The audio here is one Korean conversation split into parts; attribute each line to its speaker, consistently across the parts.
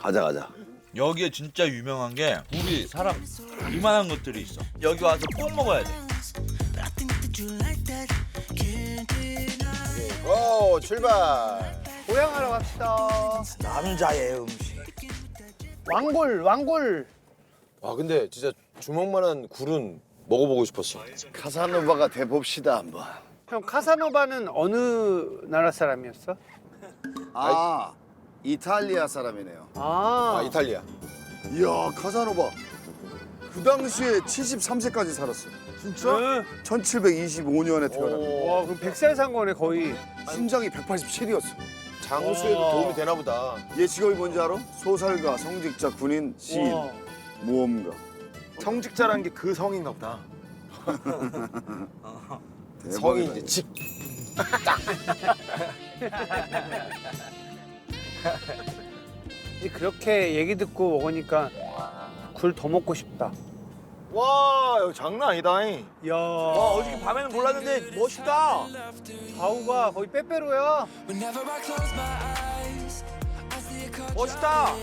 Speaker 1: 가자 가자.
Speaker 2: 여기에 진짜 유명한 게 우리 사람 이만한 것들이 있어. 여기 와서 꼭 먹어야 돼.
Speaker 1: 고 출발.
Speaker 3: 고향하러 갑시다.
Speaker 2: 남자의 음식.
Speaker 3: 왕골.
Speaker 4: 와 근데 진짜 주먹만한 굴은 먹어보고 싶었어.
Speaker 1: 카사노바가 돼 봅시다 한번.
Speaker 3: 형 카사노바는 어느 나라 사람이었어?
Speaker 1: 아 이탈리아 사람이네요.
Speaker 4: 아 이탈리아.
Speaker 1: 이야 카사노바 그 당시에 73세까지 살았어. 진짜?
Speaker 3: 네.
Speaker 1: 1725년에 태어났고
Speaker 3: 와 그럼 100살 산 거네 거의.
Speaker 1: 심장이 187이었어.
Speaker 4: 장수에도 도움이 되나 보다.
Speaker 1: 얘 직업이 뭔지 알아? 소설가, 성직자, 군인, 시인,
Speaker 3: 와.
Speaker 1: 모험가.
Speaker 5: 성직자라는 게 그 성인가 보다.
Speaker 4: 성이 이제 직.
Speaker 3: 이제 그렇게 얘기 듣고 먹으니까 굴 더 먹고 싶다.
Speaker 5: 와, 여기 장난 아니다.
Speaker 3: 야.
Speaker 2: 와 어저께 밤에는 몰랐는데 멋있다.
Speaker 3: 좌우가 거의 빼빼로야.
Speaker 2: 멋있다.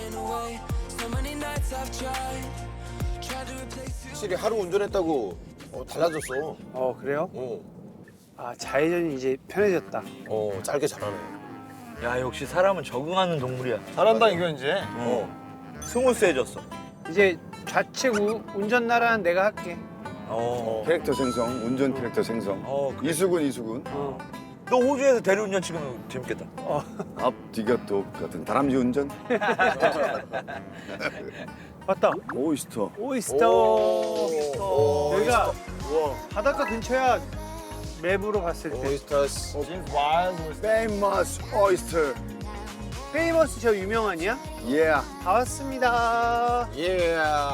Speaker 4: 확실히 하루 운전했다고 달라졌어.
Speaker 3: 그래요?
Speaker 4: 어,
Speaker 3: 아 좌회전이 이제 편해졌다.
Speaker 4: 짧게 잘하네.
Speaker 2: 야 역시 사람은 적응하는 동물이야.
Speaker 5: 잘한다 이거 이제.
Speaker 2: 스무스해졌어.
Speaker 3: 이제 좌측 운전 나라는 내가 할게.
Speaker 1: 캐릭터 생성, 운전 캐릭터 생성.
Speaker 2: 그래.
Speaker 1: 이수근.
Speaker 2: 너 호주에서 대리운전 찍으면 재밌겠다.
Speaker 1: 앞 뒤가 똑같은 다람쥐 운전.
Speaker 3: 맞다.
Speaker 1: 오이스터.
Speaker 3: 오이스터. 여기가 바닷가 근처야. 맵으로 봤을 때.
Speaker 4: 오이스터스.
Speaker 1: 페이머스 오이스터.
Speaker 3: 페이머스 저 유명하냐?
Speaker 1: 예.
Speaker 3: 다 왔습니다.
Speaker 4: 예.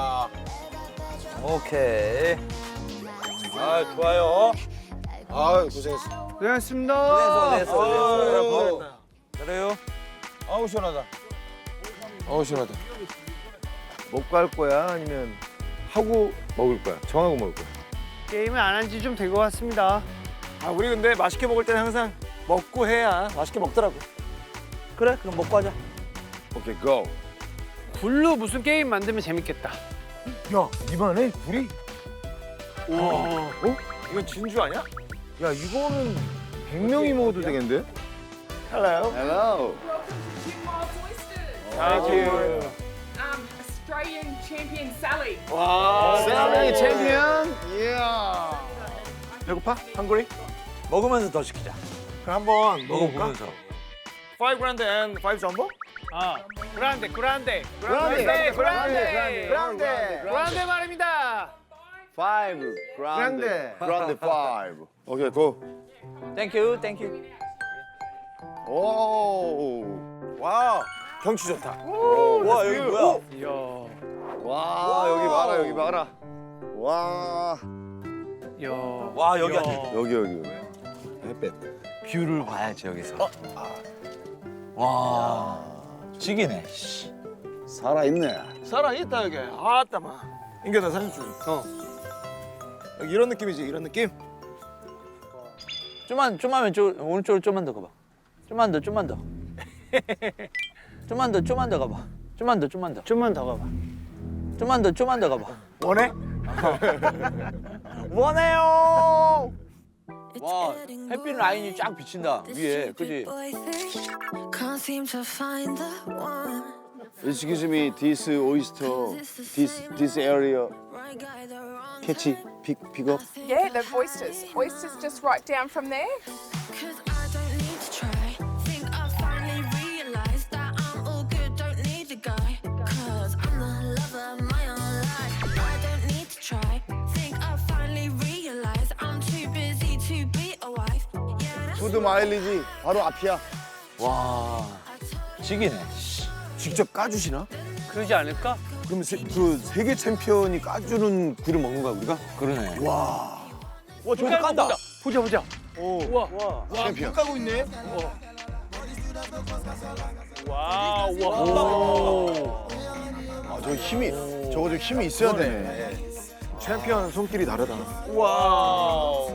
Speaker 2: 오케이. 아 좋아요.
Speaker 4: 아 고생했어.
Speaker 3: 고생하셨습니다.
Speaker 2: 됐어. 그래요.
Speaker 4: 아우 시원하다. 아우 시원하다.
Speaker 5: 먹고 할 거야? 아니면 하고 먹을 거야? 정하고 먹을 거야?
Speaker 3: 게임을 안 한 지 좀 된 것 같습니다.
Speaker 5: 아, 우리 근데 맛있게 먹을 때는 항상 먹고 해야 맛있게 먹더라고.
Speaker 2: 그래 그럼 먹고 하자.
Speaker 1: 오케이 고.
Speaker 3: 굴로 무슨 게임 만들면 재밌겠다.
Speaker 5: 야, 이만해? 굴이?
Speaker 3: 와.
Speaker 5: 이건 진주 아니야? 야, 이거는 100명이 먹어도 되겠는데? 헬로.
Speaker 1: 헬로.
Speaker 5: Thank
Speaker 6: Australian champion Sally.
Speaker 1: 셀리 챔피언. 이야.
Speaker 5: 배고파? 한국이?
Speaker 2: 먹으면서 더 시키자.
Speaker 5: 그럼 한번 먹어볼까?
Speaker 2: 먹으면서.
Speaker 5: 5 grand and 5 jumbo?
Speaker 3: 그란데.
Speaker 1: 그란데.
Speaker 3: 그란데 말입니다.
Speaker 1: 5 그란데. 그란데 5. 오케이 고.
Speaker 2: 땡큐 땡큐.
Speaker 1: 오.
Speaker 5: 와, 경치 좋다.
Speaker 2: 와 여기 뭐야?
Speaker 3: 이야.
Speaker 1: 와 여기 봐라 여기 봐라. 와.
Speaker 3: 이야.
Speaker 2: 와 여기
Speaker 3: 이야.
Speaker 2: 아니.
Speaker 1: 여기.
Speaker 4: 햇볕.
Speaker 2: 뷰를 봐야지 여기서. 와 지기네.
Speaker 1: 살아 있네.
Speaker 5: 살아있다, 여기. 아따마. 인겨, 나 사진 찍어. 여기 이런 느낌이지, 이런 느낌?
Speaker 2: 좀만 왼쪽 오른쪽으로 좀만 더 가봐. 좀만 더. 좀만 더 가봐. 좀만 더.
Speaker 3: 좀만 더 가봐.
Speaker 2: 좀만 더 가봐.
Speaker 5: 원해?
Speaker 2: 원해요. 와 햇빛 라인이 쫙 비친다 위에, 그지?
Speaker 7: Can't seem to find the one.
Speaker 1: Excuse me, this oyster, this area,
Speaker 7: Right guy, the wrong
Speaker 1: catch, pick up.
Speaker 6: Yeah, the oysters. Oysters just right down from there.
Speaker 7: Cause I don't need to try. Think I finally realized that I'm all good, don't need a guy. Cause I'm the lover of my own life. I don't need to try. Think I finally realized I'm too busy to be a wife. Yeah, that's
Speaker 1: 푸드 마일리지 바로 앞이야.
Speaker 2: 와 지기네.
Speaker 5: 직접 까주시나?
Speaker 3: 그러지 않을까?
Speaker 5: 그럼 그 세계 챔피언이 까주는 굴을 먹는 거야, 우리가?
Speaker 2: 그러네.
Speaker 5: 와.
Speaker 2: 와 저기 깐다.
Speaker 3: 보자. 우와.
Speaker 1: 챔피언.
Speaker 5: 까고 있네?
Speaker 3: 와.
Speaker 1: 아, 저 힘이, 저거 좀 힘이 있어야 되네.
Speaker 5: 챔피언 손길이 다르다.
Speaker 3: 와.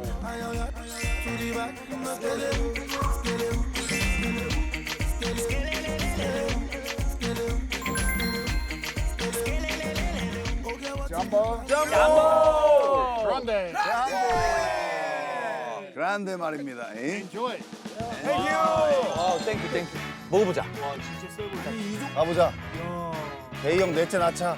Speaker 1: 그란데 말입니다.
Speaker 4: 땡큐. 먹어보자.
Speaker 1: 가보자. 대형 넷째 낳자.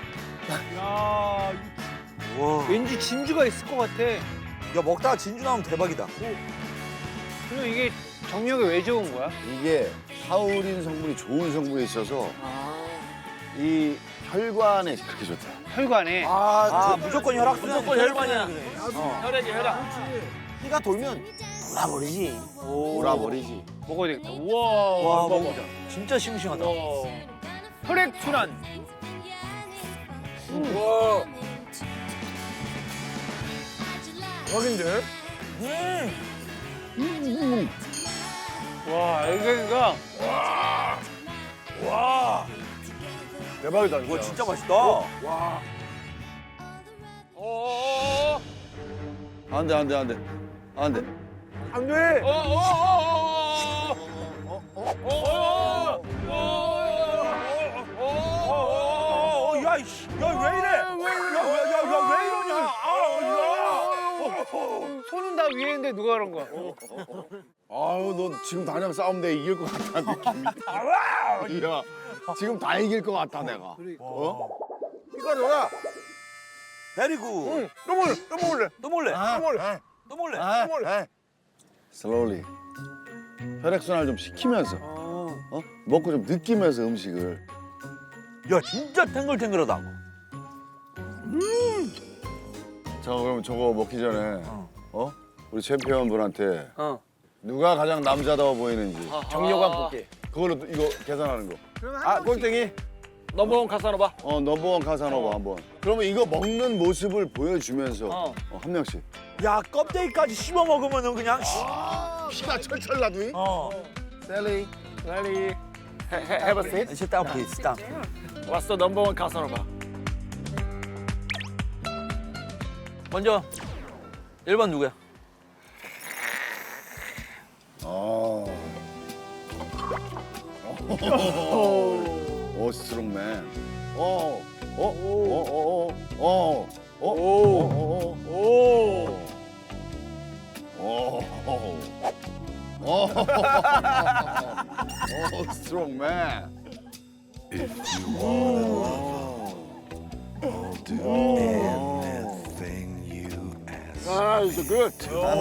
Speaker 3: 왠지 진주가 있을 것 같아.
Speaker 2: 야 먹다가 진주 나오면 대박이다.
Speaker 3: 그리고 이게 정력에 왜 좋은 거야?
Speaker 1: 이게 타우린 성분이 좋은 성분이 있어서 이 혈관에 그렇게 좋다.
Speaker 3: 혈관에.
Speaker 2: 아 무조건 혈액순환. 무조건 혈관이야.
Speaker 5: 혈액이 혈액.
Speaker 2: 피가 돌면
Speaker 1: 돌아버리지.
Speaker 3: 먹어야 되겠다. 우와.
Speaker 2: 와 먹어보자. 진짜 싱싱하다.
Speaker 3: 혈액 순환.
Speaker 5: 와. 대박인데?
Speaker 3: 와, 이거
Speaker 5: 와. 대박이다.
Speaker 2: 와 진짜 맛있다.
Speaker 5: 와.
Speaker 1: 안 돼.
Speaker 5: 안 돼.
Speaker 2: 야이씨, 야왜 이래? 야왜 이러냐?
Speaker 3: 손은 다 위에 있는데 누가 그런 거야?
Speaker 1: 아유 너 지금 당장 싸움 내 이길 것 같다 느낌이. 야 지금 다 이길 것 같다 내가. 어?
Speaker 5: 이거 줘라.
Speaker 2: 베리구.
Speaker 5: 또 먹을래.
Speaker 2: 또 몰래. 또 몰래.
Speaker 1: slowly. 혈액순환을 좀 시키면서 먹고 좀 느끼면서 음식을.
Speaker 2: 야 진짜 탱글탱글하다.
Speaker 1: 자 그럼 저거 먹기 전에 우리 챔피언 분한테 누가 가장 남자다워 보이는지
Speaker 5: 정력관 볼게.
Speaker 1: 그걸로 또 이거 계산하는 거.
Speaker 5: 꼴등이 넘버원 카사노바.
Speaker 1: 넘버원 카사노바 한번. 그러면 이거 먹는 모습을 보여주면서 한 명씩.
Speaker 2: 야 껍데기까지 씹어 먹으면은 그냥.
Speaker 1: 피가 철철 나더니. 셀리.
Speaker 5: 빨리 have a seat.
Speaker 2: Sit down, please. Sit down.
Speaker 5: What's the number one 카사노바?
Speaker 2: 먼저 1번 누구야?
Speaker 1: 오 스트롱맨. 오 스트롱맨.
Speaker 5: It's good.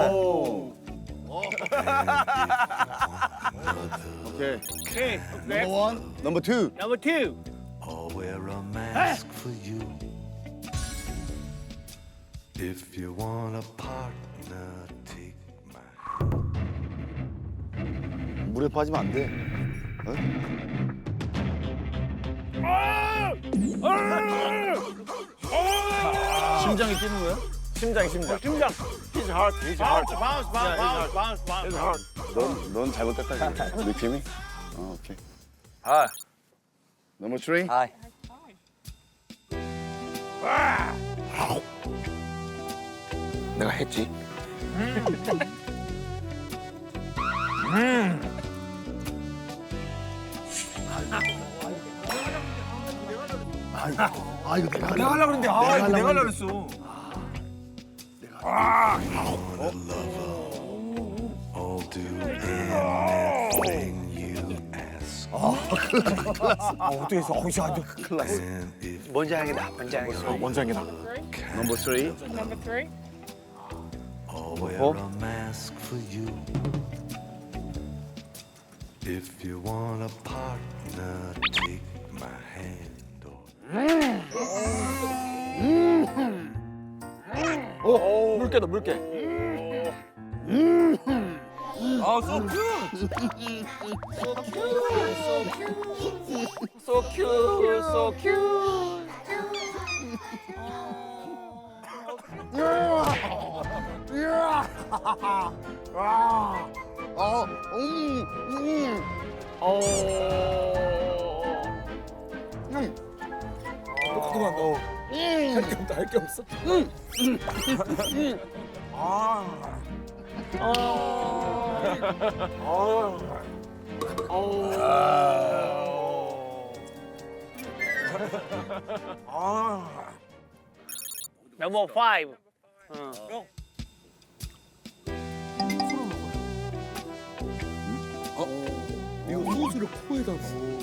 Speaker 1: 오케이.
Speaker 3: 오케이.
Speaker 1: 넘버 원, 넘버 투.
Speaker 3: 넘버 2.
Speaker 8: I'll wear a mask for you. If you want a partner, take my
Speaker 1: 물에 빠지면 안 돼. 심장이 뛰는 거야?
Speaker 5: 심장. His heart. His heart.
Speaker 1: 넌 잘못됐다 지금. 느낌이? 오케이.
Speaker 2: 아,
Speaker 1: 넘버 3.
Speaker 2: 하이.
Speaker 5: 내가 했지.
Speaker 1: 아 이거 내가
Speaker 5: 내가 하려고 그랬는데 이거 내가 하려고 그랬어.
Speaker 8: I'll do anything you ask.
Speaker 5: 어떻게 했어? 클라스.
Speaker 8: And if
Speaker 3: 먼저 하는 게 나아.
Speaker 5: 원장이다.
Speaker 1: 넘버 3.
Speaker 6: Number 3.
Speaker 8: I'll wear a mask for you. If you want a partner, take my hand.
Speaker 5: 물개.
Speaker 2: 아, so cute.
Speaker 5: So cute. 그만 너. 할 게 없어.
Speaker 3: 넘버 5.
Speaker 1: 이거 소스를 코에다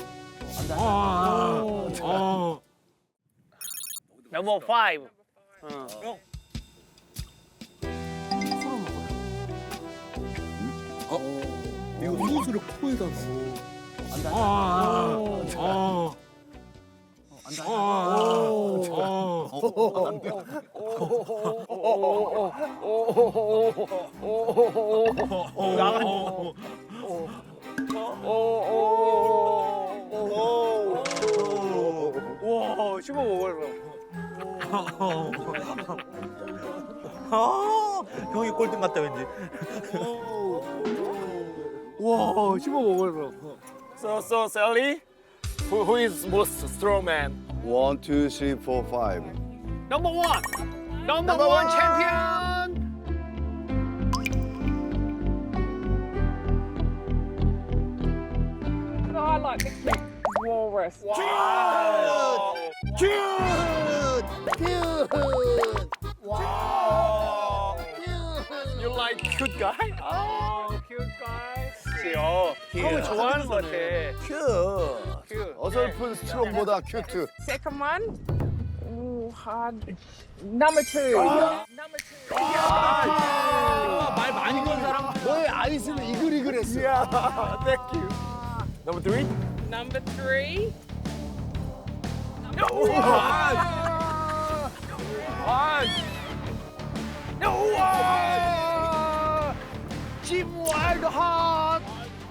Speaker 3: 넘버 5.
Speaker 1: 이거 소스를 코에다
Speaker 3: 와, 씹어 먹어요.
Speaker 2: 형이 꼴등 같다 왠지.
Speaker 3: 와, 씹어 먹어요.
Speaker 5: So Sally, who is most strong man?
Speaker 1: 1, 2, 3, 4, 5.
Speaker 3: 넘버 1. 넘버 1 챔피언.
Speaker 6: So I like the cute walrus.
Speaker 5: You like cute guy?
Speaker 3: cute guy. 형을 좋아하는 것 같아. 큐.
Speaker 1: 어설픈 스트롱보다 큐트.
Speaker 6: Second one. Ooh, hard. Number 2. Number 2.
Speaker 3: 말 많이 건 사람.
Speaker 1: 너의 아이스는 이글이글했어.
Speaker 5: Thank you. Number 3.
Speaker 6: Number 3.
Speaker 3: 짐 와일드 핫.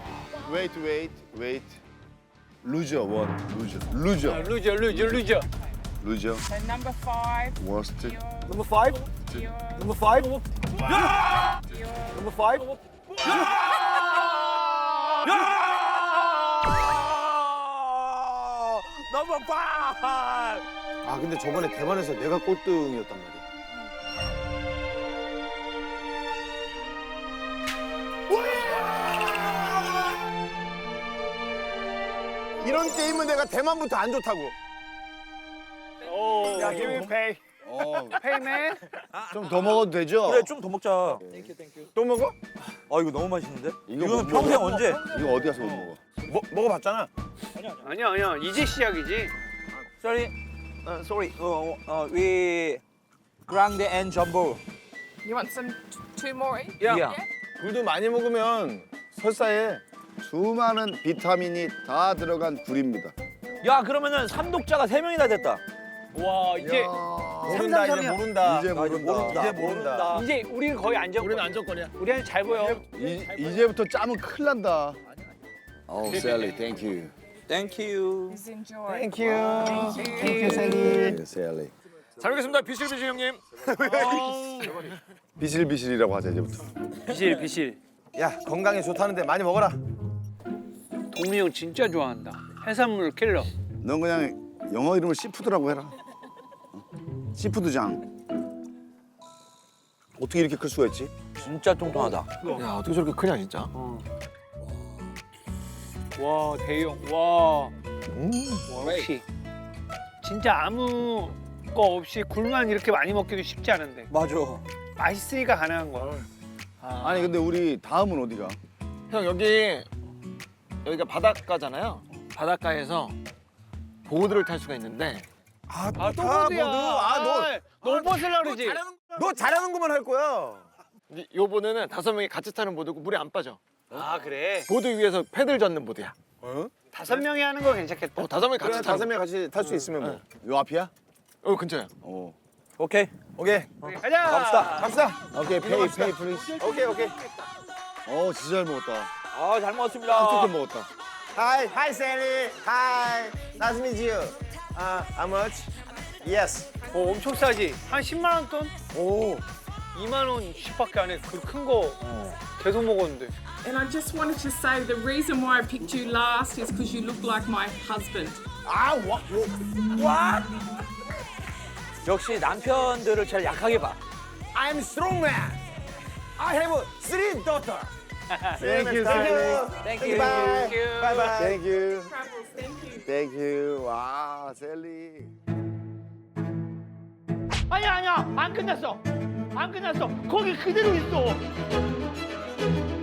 Speaker 1: Wait. 루저 원. 루저.
Speaker 3: 루저.
Speaker 6: So number 5.
Speaker 1: Worst.
Speaker 5: Number 5. Number 5. Number 5.
Speaker 2: 넘버 5.
Speaker 4: 아 근데 저번에 대만에서 내가 꼴등이었단 말이야.
Speaker 1: 이런 게임은 내가 대만부터 안 좋다고.
Speaker 5: 야, give me pay.
Speaker 3: 페이맨.
Speaker 1: 좀 더 먹어도 되죠?
Speaker 2: 그래 좀 더 먹자.
Speaker 5: 또 먹어?
Speaker 2: 아 이거 너무 맛있는데?
Speaker 1: 이거
Speaker 2: 이거는
Speaker 1: 못
Speaker 2: 평생
Speaker 1: 먹어.
Speaker 2: 언제?
Speaker 1: 이거 어디 가서 못 먹어?
Speaker 5: 먹어봤잖아.
Speaker 3: 아니야. 이제 시작이지.
Speaker 2: Sorry, we grande and jumbo.
Speaker 6: You want some 2 more?
Speaker 2: Yeah.
Speaker 5: 굴도 많이 먹으면 설사해.
Speaker 1: 수많은 비타민이 다 들어간 굴입니다.
Speaker 2: 야 그러면은 삼독자가 3명이나 됐다.
Speaker 3: 와, 이제
Speaker 5: 모른다 이제 모른다.
Speaker 1: 이제 모른다.
Speaker 5: 이제 모른다.
Speaker 3: 이제 우리는 거의 안정.
Speaker 5: 우리는 안정권이야.
Speaker 3: 우리한테 잘 보여.
Speaker 1: 이제부터 짜면 큰일 난다. 셀리, 땡큐.
Speaker 2: Thank you.
Speaker 6: Please enjoy.
Speaker 5: Thank you.
Speaker 1: 셀리.
Speaker 5: 잘 먹겠습니다. 비실비실 형님.
Speaker 1: 비실비실이라고 하자 이제부터.
Speaker 3: 비실.
Speaker 4: 야 건강에 좋다는데 많이 먹어라.
Speaker 3: 동민이 형 진짜 좋아한다. 해산물 킬러.
Speaker 1: 넌 그냥 영어 이름을 시푸드라고 해라. 시푸드장. 어떻게 이렇게 클 수가 있지?
Speaker 2: 진짜 뚱뚱하다.
Speaker 5: 야 어떻게 저렇게 크냐 진짜.
Speaker 3: 와, 대형. 와. 역시. 진짜 아무 거 없이 굴만 이렇게 많이 먹기도 쉽지 않은데.
Speaker 2: 맞아.
Speaker 3: 맛있으니까 가능한 거야.
Speaker 1: 아니 근데 우리 다음은 어디가?
Speaker 5: 형 여기가 바닷가잖아요. 바닷가에서 보드를 탈 수가 있는데.
Speaker 3: 또 보드야. 너 벗으려고 그러지?
Speaker 5: 너 잘하는 것만 할 거야. 요 보드는 5명이 같이 타는 보드고 물에 안 빠져.
Speaker 3: 아, 그래?
Speaker 5: 보드 위에서 패들 젓는 보드야.
Speaker 3: 5명이 하는 거 괜찮겠다.
Speaker 5: 5명이 같이 타는
Speaker 4: 5명 같이 탈 수 있으면 뭐.
Speaker 1: 요 앞이야?
Speaker 5: 근처야.
Speaker 2: 오케이.
Speaker 4: 오케이.
Speaker 3: 가자.
Speaker 4: 갑시다.
Speaker 1: 오케이 페이 플리즈.
Speaker 4: 오케이.
Speaker 1: 진짜 잘 먹었다.
Speaker 2: 아 잘 먹었습니다.
Speaker 1: 툭툭 먹었다.
Speaker 4: Hi Sally. Hi. Nice to meet you. How much? Yes.
Speaker 3: 엄청 싸지? 한 10만 원 돈?
Speaker 4: 오.
Speaker 3: 2만 원 10밖에 안 해. 그 큰 거 계속 먹었는데.
Speaker 6: And I just wanted to say the reason why I picked you last is because you look like my husband.
Speaker 2: 역시 남편들을 제일 약하게 봐.
Speaker 4: I'm strong man. I have 3 daughters.
Speaker 1: Thank you,
Speaker 2: Thank you.
Speaker 4: Bye.
Speaker 3: Thank you.
Speaker 4: Bye bye.
Speaker 1: Thank you.
Speaker 6: Travels, thank you.
Speaker 1: Thank you. 와, 셀리.
Speaker 3: 아니야 안 끝났어. 안 끝났어. 거기 그대로 있어.